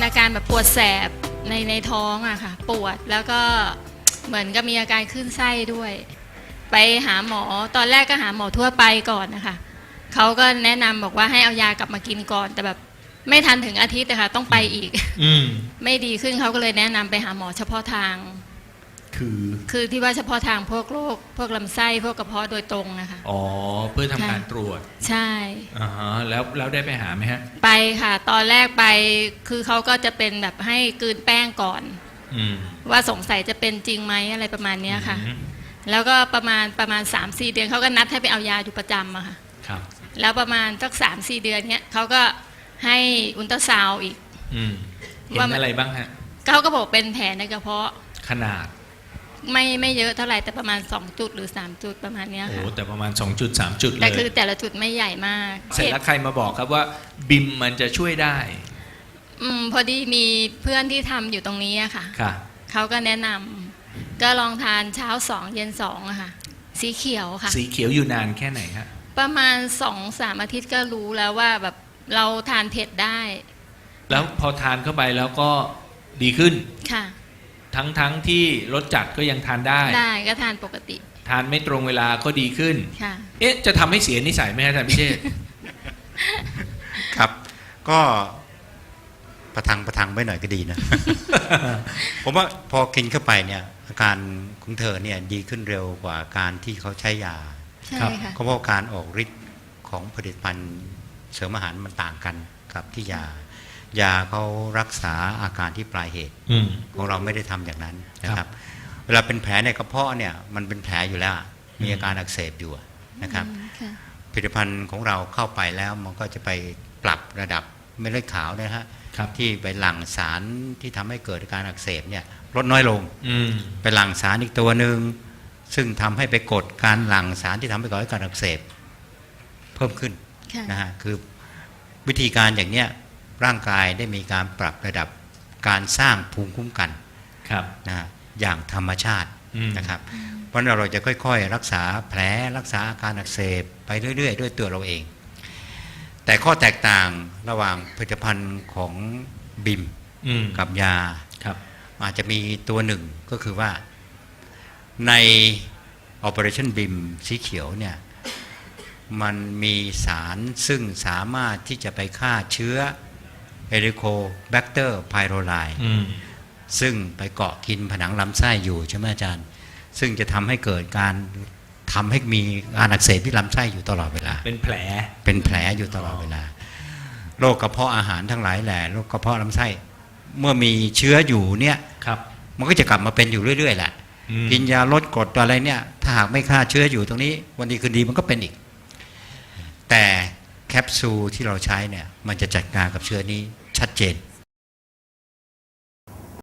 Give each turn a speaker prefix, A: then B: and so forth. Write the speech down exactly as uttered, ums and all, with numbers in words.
A: อาการแบบปวดแสบในในท้องอะค่ะปวดแล้วก็เหมือนกับมีอาการขึ้นไส้ด้วยไปหาหมอตอนแรกก็หาหมอทั่วไปก่อนนะคะเขาก็แนะนำบอกว่าให้เอายากลับมากินก่อนแต่แบบไม่ทันถึงอาทิตย์นะคะต้องไปอีก
B: อืม
A: ไม่ดีขึ้นเขาก็เลยแนะนำไปหาหมอเฉพาะทาง
B: คือ
A: คือที่ว่าเฉพาะทางพวกโรคพวกลำไส้พวกกระเพาะโดยตรงนะคะ
B: อ๋อเพื่อทำการตรวจ
A: ใช่
B: อ่าฮะแล้วแล้วได้ไปหาไหมฮะ
A: ไปค่ะตอนแรกไปคือเขาก็จะเป็นแบบให้กลืนแป้งก่อน
B: อืม
A: ว่าสงสัยจะเป็นจริงไหมอะไรประมาณเนี้ยค่ะ
B: อืม
A: แล้วก็ประมาณประมาณ สามสี่ เดือนเขาก็นัดให้ไปเอายาอยู่ประจำอะค่ะ
B: ครับ
A: แล้วประมาณสัก สามสี่ เดือนเนี้ยเขาก็ให้อุลตราซาวด์อีก
B: อืมเห็น
A: ว่ามัน
B: อะไรบ้างฮะ
A: เขาก็บอกเป็นแผลในกระเพาะ
B: ขนาด
A: ไม่ไม่เยอะเท่าไหร่แต่ประมาณสองจุดหรือสามจุดประมาณเนี้ย
B: โอ้
A: ค่ะ
B: แต่ประมาณสองจุดสามจุดเล
A: แต่
B: ย
A: คือแต่ละจุดไม่ใหญ่มาก
B: เสร็จแล้วใครมาบอกครับว่าบิมมันจะช่วยได้
A: อืมพอดีมีเพื่อนที่ทำอยู่ตรงนี้อะค่ะ
B: ค่ะ
A: เขาก็แนะนำก็ลองทานเช้าสองเย็นสองอะค่ะสีเขียวค่ะ
B: สีเขียวอยู่นานแค่ไหนฮะ
A: ประมาณสองสามอาทิตย์ก็รู้แล้วว่าแบบเราทานเผ็ดได้
B: แล้วพอทานเข้าไปแล้วก็ดีขึ้น
A: ค่ะ
B: ทั้งทั้งที่รสจัดก็ยังทานได้
A: ได้ก็ทานปกติ
B: ทานไม่ตรงเวลาก็ดีขึ้น
A: ค่ะ
B: เอ๊ะจะทำให้เสียนิสัยไหมฮะอาจารย์พิเชษฐ์
C: ครับก็ประทังประทังไว้หน่อยก็ดีนะ ผมว่าพอกินเข้าไปเนี่ยอาการของเธอเนี่ยดีขึ้นเร็วกว่าการที่เขาใช้ยา
A: ใช่
B: ครับ
A: ค่ะ
C: เพราะว่าการออกฤทธิ์ของผลิตภัณฑ์เสริมอาหารมันต่างกันกับที่ยายาเขารักษาอาการที่ปลายเหตุ
B: อืม
C: ของเราไม่ได้ทำอย่างนั้นนะค
B: ครั
C: รับ
B: บ
C: เวลาเป็นแผลในกระเพาะเนี่ยมันเป็นแผลอยู่แล้วมีอาการอักเสบอยู่นะครับ
A: อืมค่ะ
C: ผลิตภัณฑ์ของเราเข้าไปแล้วมันก็จะไปปรับระดับเม็ดเลือดขาวนะฮะ
B: ครับ
C: ที่ไปหลั่งสารที่ทำให้เกิดการอักเสบเนี่ยลดน้อยลง
B: อืม
C: ไปหลั่งสารอีกตัวหนึ่งซึ่งทำให้ไปกดการหลั่งสารที่ทำให้เกิดการอักเสบเพิ่มขึ้น
A: ค่ะ
C: นะฮะคือวิธีการอย่างเนี้ยร่างกายได้มีการปรับระดับการสร้างภูมิคุ้มกัน
B: ครับ
C: นะฮะอย่างธรรมชาติ
B: อืม
C: นะครับ เพราะฉะนั้นเราจะค่อยๆ รักษาแผลรักษาอาการอักเสบไปเรื่อยๆ ด้วยตัวเราเอง แต่ข้อแตกต่างระหว่างผลิตภัณฑ์ของบิม
B: อืม
C: กับยา
B: ครับ
C: อาจจะมีตัวหนึ่งก็คือว่าใน Operation B I M สีเขียวเนี่ยมันมีสารซึ่งสามารถที่จะไปฆ่าเชื้อ Helicobacter pylori
B: อืม
C: ซึ่งไปเกาะกินผนังลำไส้อยู่ใช่ไหมอาจารย์ ซึ่งจะทำให้เกิดการทำให้มีการอักเสบที่ลำไส้อยู่ตลอดเวลา
B: เป็นแผล
C: เป็นแผลอยู่ตลอดเวลาโรคกระเพาะอาหารทั้งหลายแหละโรคกระเพาะลำไส้เมื่อมีเชื้ออยู่เนี่ย
B: ครับ
C: มันก็จะกลับมาเป็นอยู่เรื่อยๆแหละ
B: อืม
C: กินยาลดกรดตัวอะไรเนี่ยถ้าหากไม่ฆ่าเชื้ออยู่ตรงนี้วันดีคืนดีมันก็เป็นอีก แต่แคปซูลที่เราใช้เนี่ยมันจะจัดการกับเชื้อนี้ชัดเจน